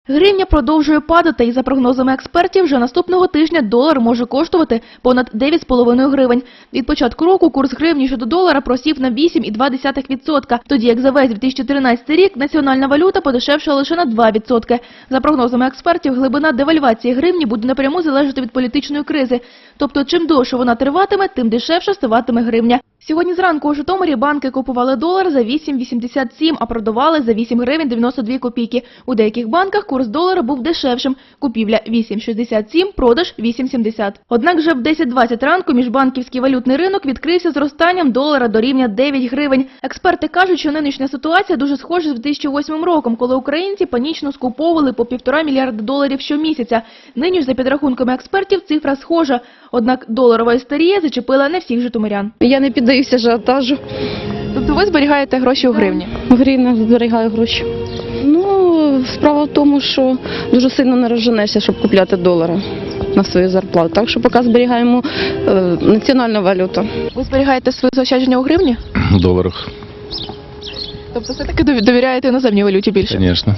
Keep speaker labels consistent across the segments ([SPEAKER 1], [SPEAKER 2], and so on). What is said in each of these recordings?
[SPEAKER 1] Гривня продовжує падати і за прогнозами експертів вже наступного тижня долар може коштувати понад 9,5 гривень. Від початку року курс гривні щодо долара просів на 8,2%, тоді як за весь 2013 рік національна валюта подешевшала лише на 2%. За прогнозами експертів, глибина девальвації гривні буде напряму залежати від політичної кризи. Тобто, чим довше вона триватиме, тим дешевше ставатиме гривня. Сьогодні зранку у Житомирі банки купували долар за 8,87, а продавали за 8 гривень 92 копійки. У деяких банках курс долара був дешевшим. Купівля 8,67, продаж 8,70. Однак вже в 10:20 ранку міжбанківський валютний ринок відкрився зростанням долара до рівня 9 гривень. Експерти кажуть, що нинішня ситуація дуже схожа з 2008 роком, коли українці панічно скуповували по 1,5 мільярда доларів щомісяця. Нині ж, за підрахунками експертів, цифра схожа. Однак доларова істерія зачепила не всіх житомирян.
[SPEAKER 2] Я не піддаюся ажіотажу.
[SPEAKER 1] Тобто ви зберігаєте гроші у гривні?
[SPEAKER 2] В гривнях зберігаю гроші. Ну, справа в тому, що дуже сильно не розженешся, щоб купляти долари на свою зарплату. Так що поки зберігаємо національну валюту.
[SPEAKER 1] Ви зберігаєте свої заощадження у гривні?
[SPEAKER 3] В доларах,
[SPEAKER 1] Тобто все-таки довіряєте іноземній валюті більше?
[SPEAKER 3] звісно.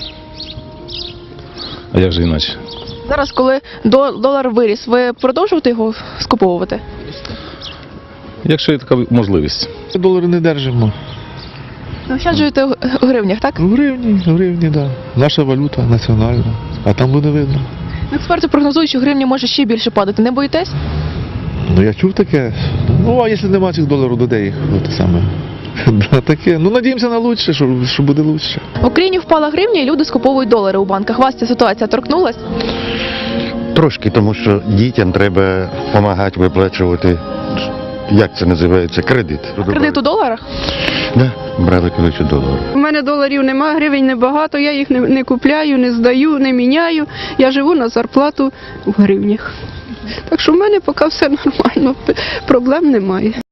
[SPEAKER 3] А як же іначе?
[SPEAKER 1] Зараз, коли долар виріс, ви продовжуєте його скуповувати?
[SPEAKER 3] Якщо є така можливість.
[SPEAKER 4] Долари не держимо.
[SPEAKER 1] Заощаджуєте у гривнях, так?
[SPEAKER 4] В гривні, да. Наша валюта національна, а там буде видно.
[SPEAKER 1] Експерти прогнозують, що гривня може ще більше падати. Не боїтесь?
[SPEAKER 4] Ну я чув таке. Ну а якщо нема цих доларів, то де їх? Те саме. Да, таке. Ну надіємося на лучше, що буде лучше.
[SPEAKER 1] В Україні впала гривня і люди скуповують долари у банках. Вас ця ситуація торкнулась?
[SPEAKER 5] Трошки, тому що дітям треба допомагати виплачувати, як це називається, кредит.
[SPEAKER 1] Кредит у доларах?
[SPEAKER 5] Да, брали колись у доларах.
[SPEAKER 6] У мене доларів немає, гривень небагато, я їх не купляю, не здаю, не міняю. Я живу на зарплату в гривнях. Так що в мене поки все нормально, проблем немає.